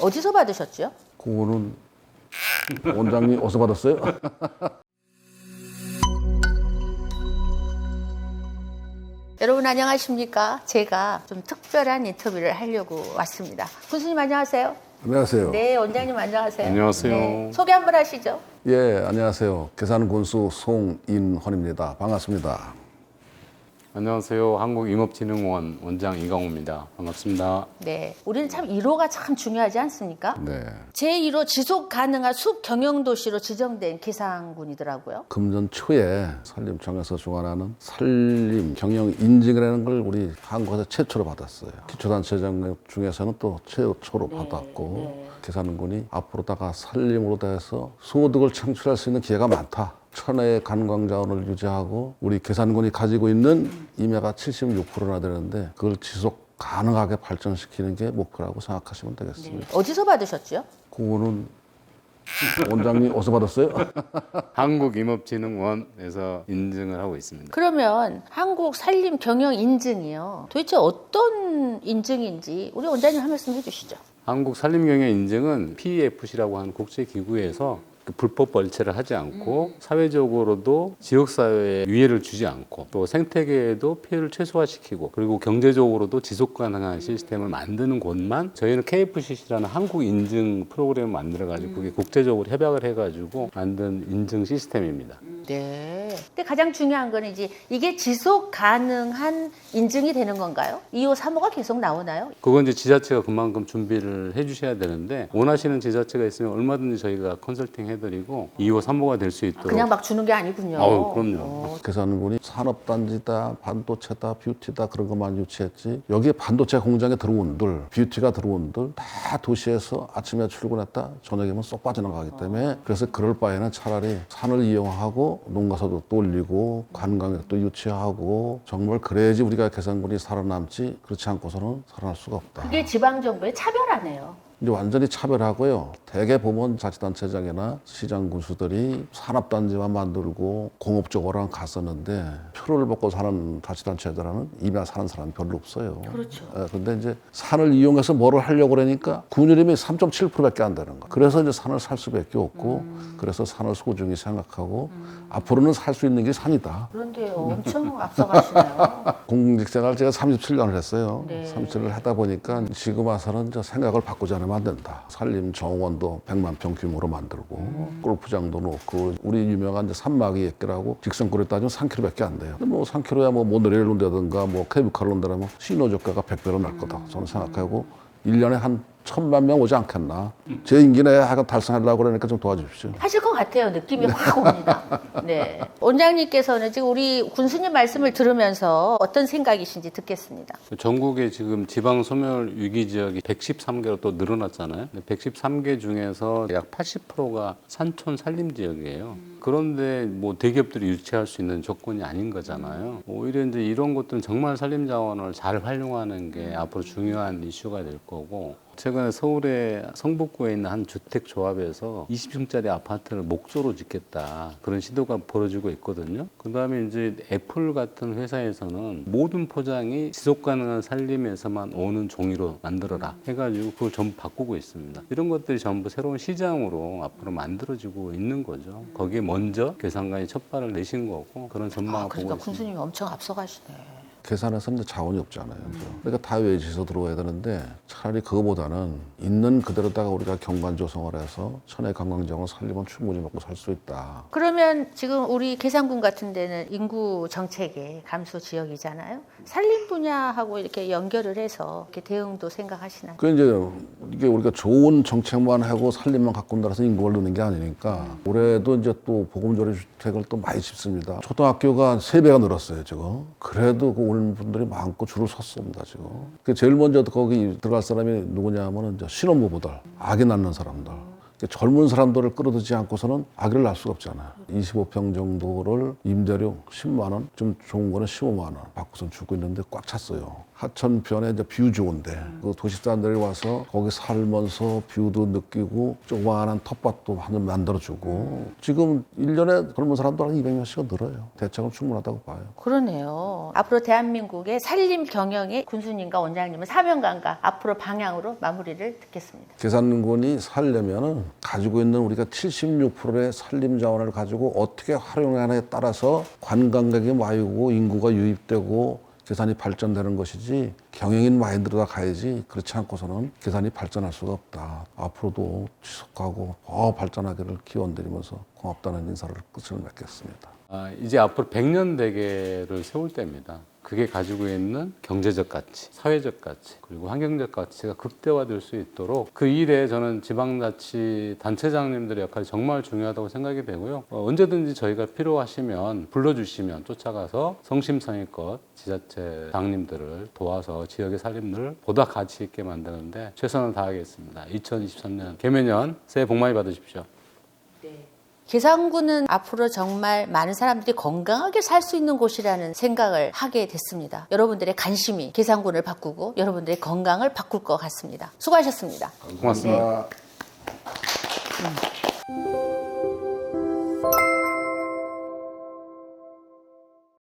어디서 받으셨죠? 그거는 원장님 어디서 받았어요? 여러분 안녕하십니까? 제가 좀 특별한 인터뷰를 하려고 왔습니다. 군수님 안녕하세요. 안녕하세요. 네, 원장님 안녕하세요. 안녕하세요. 네, 소개 한번 하시죠. 예, 안녕하세요. 계산군수 송인헌입니다. 반갑습니다. 안녕하세요. 한국임업진흥원 원장 이강호입니다. 반갑습니다. 네, 우리는 참 1호가 참 중요하지 않습니까? 네. 제1호 지속 가능한 숲 경영 도시로 지정된 계산군이더라고요. 금년 초에 산림청에서 주관하는 산림 경영 인증이라는 걸 우리 한국에서 최초로 받았어요. 기초단체장 중에서는 또 최초로 받았고 계산군이 앞으로다가 산림으로 해서 소득을 창출할 수 있는 기회가 많다. 천혜의 관광자원을 유지하고 우리 계산군이 가지고 있는 임야가 76%나 되는데 그걸 지속 가능하게 발전시키는 게 목표라고 생각하시면 되겠습니다. 어디서 받으셨죠? 그거는 원장님 어디서 받았어요? 한국임업진흥원에서 인증을 하고 있습니다. 그러면 한국 산림 경영 인증이요. 도대체 어떤 인증인지 우리 원장님 한 말씀 해주시죠. 한국산림경영 인증은 PEFC라고 하는 국제기구에서 불법 벌채를 하지 않고 사회적으로도 지역사회에 위해를 주지 않고 또 생태계에도 피해를 최소화시키고 그리고 경제적으로도 지속 가능한 시스템을 만드는 곳만 저희는 KFCC라는 한국 인증 프로그램을 만들어가지고 그게 국제적으로 협약을 해가지고 만든 인증 시스템입니다. 네. 근데 가장 중요한 거는 이제 이게 지속 가능한 인증이 되는 건가요? 2호, 3호가 계속 나오나요? 그건 이제 지자체가 그만큼 준비를 해주셔야 되는데 원하시는 지자체가 있으면 얼마든지 저희가 컨설팅 해드리고 2호, 3호가 될 수 있도록. 그냥 막 주는 게 아니군요. 그럼요. 계산군이 산업단지다, 반도체다, 뷰티다 그런 것만 유치했지 여기에 반도체 공장에 들어온들, 뷰티가 들어온들 다 도시에서 아침에 출근했다 저녁이면 쏙 빠져나가기 때문에 그래서 그럴 바에는 차라리 산을 이용하고 농가서도 또 올리고 관광객도 유치하고 정말 그래야지 우리가 계산군이 살아남지 그렇지 않고서는 살아날 수가 없다. 그게 지방정부의 차별하네요. 이제 완전히 차별하고요. 대개 보면 자치단체장이나 시장 군수들이 산업단지만 만들고 공업적으로만 갔었는데 표를 받고 사는 자치단체들은 임야 사는 사람이 별로 없어요. 그렇죠. 근데 이제 산을 이용해서 뭐를 하려고 그러니까 군율임이 3.7%밖에 안 되는 거예요. 그래서 이제 산을 살 수밖에 없고 그래서 산을 소중히 생각하고 앞으로는 살 수 있는 게 산이다. 그런데요, 엄청 앞서가시네요. 공직생활 제가 37년을 했어요. 네. 37년을 하다 보니까 지금 와서는 저 생각을 바꾸지 않으면 안 된다. 산림 정원도 100만 평 규모로 만들고 골프장도 놓고 우리 유명한 이제 산막이 액기라고 직선거리에 따지면 3km밖에 안 돼요. 근데 뭐 3km야 뭐 모노레일 논다든가 뭐 케이블카를 논다면 신호저가가 100배로 날 거다. 저는 생각하고 1년에 한 1000만 명 오지 않겠나. 제 임기 내에 하여간 달성하려고 그러니까 좀 도와주십시오. 하실 것 같아요. 느낌이 확 옵니다. 네. 원장님께서는 지금 우리 군수님 말씀을 들으면서 어떤 생각이신지 듣겠습니다. 전국에 지금 지방 소멸 위기 지역이 113개로 또 늘어났잖아요. 113개 중에서 약 80%가 산촌 산림 지역이에요. 그런데 뭐 대기업들이 유치할 수 있는 조건이 아닌 거잖아요. 오히려 이제 이런 것들은 정말 산림 자원을 잘 활용하는 게 앞으로 중요한 이슈가 될 거고. 최근에 서울의 성북구에 있는 한 주택조합에서 20층짜리 아파트를 목조로 짓겠다 그런 시도가 벌어지고 있거든요. 그 다음에 이제 애플 같은 회사에서는 모든 포장이 지속가능한 산림에서만 오는 종이로 만들어라 해가지고 그걸 전부 바꾸고 있습니다. 이런 것들이 전부 새로운 시장으로 앞으로 만들어지고 있는 거죠. 거기에 먼저 계산관이 첫 발을 내신 거고 그런 전망을 그러니까 보고 있습니다. 군수님이 엄청 앞서가시네. 계산해서는 자원이 없잖아요. 그러니까 다 외지에서 들어와야 되는데 차라리 그거보다는 있는 그대로다가 우리가 경관 조성을 해서 천혜 관광정을 살리면 충분히 먹고 살 수 있다. 그러면 지금 우리 계산군 같은 데는 인구 정책의 감소 지역이잖아요. 산림 분야하고 이렇게 연결을 해서 이렇게 대응도 생각하시나요? 그 이제 이게 우리가 좋은 정책만 하고 살림만 갖고 온다라서 인구를 넣는 게 아니니까 올해도 이제 또 보금자리 주택을 또 많이 짓습니다. 초등학교가 3배가 늘었어요 지금. 그래도 그 오는 분들이 많고 줄을 섰습니다 지금. 그 제일 먼저 거기 들어갈 사람이 누구냐 하면은 이제 신혼부부들, 아기 낳는 사람들. 젊은 사람들을 끌어들이지 않고서는 아기를 낳을 수가 없잖아요. 25평 정도를 임대료 10만 원, 좀 좋은 거는 15만 원 받고선 주고 있는데 꽉 찼어요. 하천변에 이제 뷰 좋은데 그 도시 사람들이 와서 거기 살면서 뷰도 느끼고 조그마한 텃밭도 한 만들어주고 지금 1년에 젊은 사람들 한 200명씩은 늘어요. 대책은 충분하다고 봐요. 그러네요. 앞으로 대한민국의 산림 경영의 군수님과 원장님은 사명감과 앞으로 방향으로 마무리를 듣겠습니다. 계산군이 살려면은 가지고 있는 우리가 76%의 산림 자원을 가지고 어떻게 활용하느냐에 따라서 관광객이 많이 오고 인구가 유입되고 계산이 발전되는 것이지 경영인 마인드로 다 가야지 그렇지 않고서는 계산이 발전할 수가 없다. 앞으로도 지속하고 더 발전하기를 기원드리면서 고맙다는 인사를 끝을 맺겠습니다. 이제 앞으로 100년 대계를 세울 때입니다. 그게 가지고 있는 경제적 가치, 사회적 가치, 그리고 환경적 가치가 극대화될 수 있도록 그 일에 저는 지방자치 단체장님들의 역할이 정말 중요하다고 생각이 되고요. 언제든지 저희가 필요하시면 불러주시면 쫓아가서 성심성의껏 지자체장님들을 도와서 지역의 살림을 보다 가치 있게 만드는데 최선을 다하겠습니다. 2023년 개묘년 새해 복 많이 받으십시오. 계산군은 앞으로 정말 많은 사람들이 건강하게 살 수 있는 곳이라는 생각을 하게 됐습니다. 여러분들의 관심이 계산군을 바꾸고 여러분들의 건강을 바꿀 것 같습니다. 수고하셨습니다. 고맙습니다. 네.